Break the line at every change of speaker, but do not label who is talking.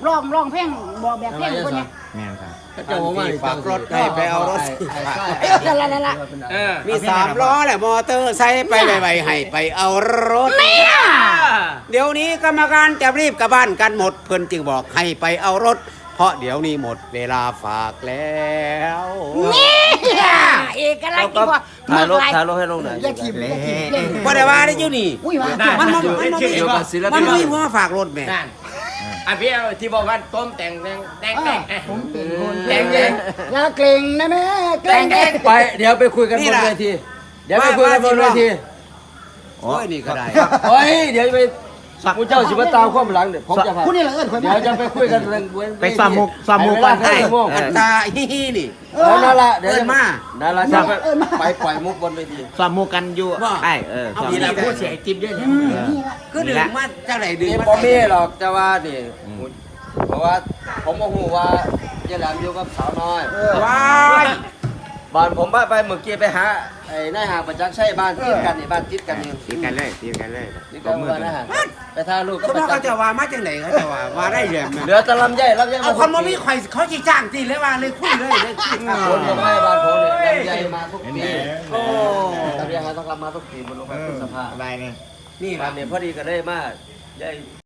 ร้องเพลงบอกแบบเพลงคนเนี้ย
แม่นครับ
เจ้าของมาฝากรถ
ให้ไปเอารถ
นั่นละ
มี3 ล้อแหละมอเตอร์ไซค์ไปไวๆให้ไปเอารถ เดี๋ยวนี้กรรมการจะรีบกลับบ้านกันหมดเพิ่นจึงบอกให้ไปเอารถ เพราะเดี๋ยวนี้หมดเวลาฝากแล้ว
เนี่ยเอกลักษณ์ที่ว่า
ถ่ายรถให้ลงหน่อย
อย่าทิมอย่าทิมเล่น
บ่ได้ว่าได้อยู่นี่
อุ้ยว่า
มันมัน
อยู่กับศิล
มัน
ปิน
มีหัวฝากรถแม่
นั่นอ่ะพี่ที่บอกว่าต้มแต่ง
ผมเป็นคน
แต่ง
อย่าเกรงนะแม่เกรงเกรง
ไปเดี๋ยวไปคุยกันบนเวทีเดี๋ยวไปคุยกันบนเวที
โอ้ยนี่ก็ได้
เฮ้ยเดี๋ยวไปผู้เจ้าสิมาตามความหลังเดี๋ยวผมจะพา
ผู้นี่ละเอิญคน
เดี๋ยวจะไปคุยกันเรื่อง
ไปซ้อมมุกบ้าน
ให้
ให้
อัตตาฮีนี่
นั่นละเดี๋ยว
เอิ้นมา
นั่นละจะไปปล่อยมุกบนเวที
ซ้อมมุกกันอยู่ไอ้ซ้อม
นี่แหละพูดเสียจิ๊บด้วยเนี่ย
ก็ดึงมาจังไหนดึง
นี่
มา
บ่มีหรอกจะว่านี่เพราะว่าผมก็ฮู้ว่าเจริญอยู่กับสาวน้อย
ว้าย
บ้านผมไปเมื่อกี้ไปหาไอ้นายห่างประจักษ์ใช่บ้านติดกันนี่บ้านติดกันนี่
ตีกันเลยตีกันเลย
ติดกันบ้านนายห่างไปทาลูก
เขาบอกเขาจะว่ามาจังไหนเขาจะว่าได้เรื่อง
เหลือแต่ลำไยมา
เอาคนบ่มีข่อยเขาสิจ้างตีเลยว่าเลยคุยเลยเลยคุย
คนลงให้บ้านผมเนี่ยลำไยมาทุกปี
โอ้
ลำไยต้องรับมาทุกปีมันลงมาพฤษภา
อะไรเนี่ย
นี่
บ้านเนี่ยพอดีก็ได้มาได้